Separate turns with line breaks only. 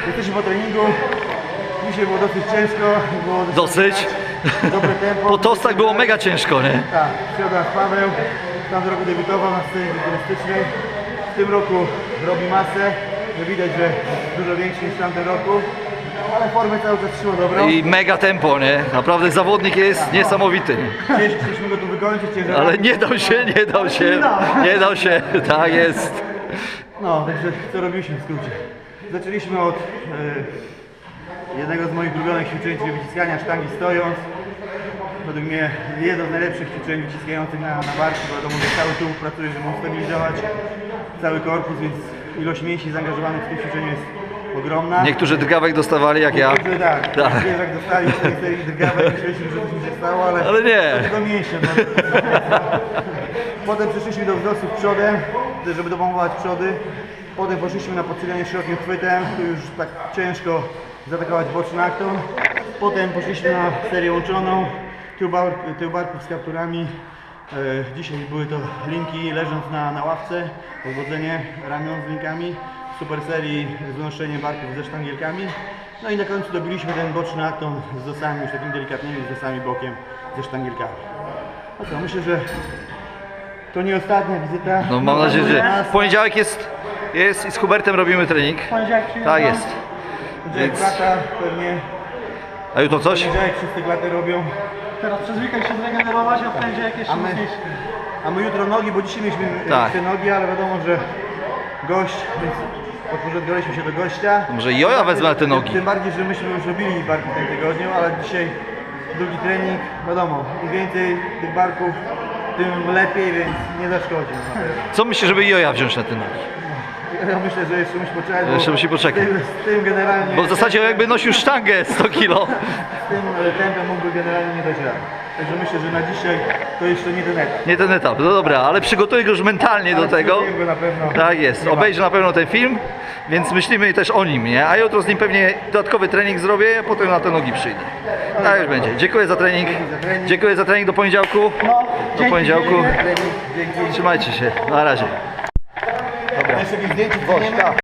Jesteśmy po treningu. Dzisiaj było dosyć ciężko. Było
Dosyć?
dobre tempo.
Po tostach było mega ciężko, nie?
Tak, środa z Paweł. W tamtym roku debiutował na scenie turystycznej. W tym roku robi masę. Widać, że dużo większy niż w tamtym roku. Ale formę cały czas trzyma dobrą.
I mega tempo, nie? Naprawdę zawodnik jest niesamowity.
Chcieliśmy go tu wykończyć,
Ale nie dał się, nie dał się, nie dał się, tak jest.
No, także co robiliśmy w skrócie? Zaczęliśmy od jednego z moich ulubionych ćwiczeń, czyli wyciskania sztangi stojąc. Według mnie jedno z najlepszych ćwiczeń wyciskających na barki, bo wiadomo, że cały tułów pracuje, żeby ustabilizować cały korpus, więc ilość mięśni zaangażowanych w tym ćwiczeniu jest ogromna.
Niektórzy drgawek dostawali jak ja.
Niektórzy tak, jak dostali z tej serii drgawek, myśleliśmy, że coś mi się stało, ale
nie.
to tylko mięśnie. No. Potem przeszliśmy do wzrostów przodem, żeby dopompować przody. Potem poszliśmy na podsypianie szerokim chwytem, tu już tak ciężko zaatakować boczny akton. Potem poszliśmy na serię łączoną, tył barków z kapturami. Dzisiaj były to linki leżąc na ławce, odwodzenie ramion z linkami. Super serii z unoszeniem barków ze sztangielkami. No i na końcu dobiliśmy ten boczny akton z dosami, już takimi delikatnymi z dosami bokiem ze sztangielkami. No co, myślę, że to nie ostatnia wizyta.
No mam nadzieję, że w poniedziałek jest i z Hubertem robimy trening. Tak jest.
Więc... Klata pewnie.
A jutro coś?
Poniedziałek wszyscy klaty robią.
Teraz przez weekend się zregenerować, a w poniedziałek jeszcze mocniejszy.
A my jutro nogi, bo dzisiaj mieliśmy
Tak.
te nogi, ale wiadomo, że gość, więc podporządkowaliśmy się do gościa.
Może i ja wezmę na te nogi.
Tym bardziej, że myśmy już robili barki w tym tygodniu, ale dzisiaj drugi trening, wiadomo, im więcej tych barków, tym lepiej, więc nie zaszkodzi.
Co myślisz, żeby Joja wziąć na te nogi?
Ja myślę, że jeszcze musi poczekać,
Jeszcze musi poczekać.
Z tym generalnie...
Bo w zasadzie jakby nosił sztangę 100 kg.
Z tym tempem mógłby generalnie nie dać rady. Także myślę, że na dzisiaj to jeszcze nie ten etap.
Nie ten etap, no dobra, ale przygotuję go już mentalnie do tego.
Przygotuję go na pewno.
Tak jest, obejrzę na pewno ten film, więc myślimy też o nim, nie? A jutro z nim pewnie dodatkowy trening zrobię, a potem na te nogi przyjdę. Tak już będzie. Dziękuję za trening. Dziękuję za trening do poniedziałku. Do poniedziałku.
Dzięki.
Trzymajcie się. Na razie.
Jeszcze jakieś zdjęcie?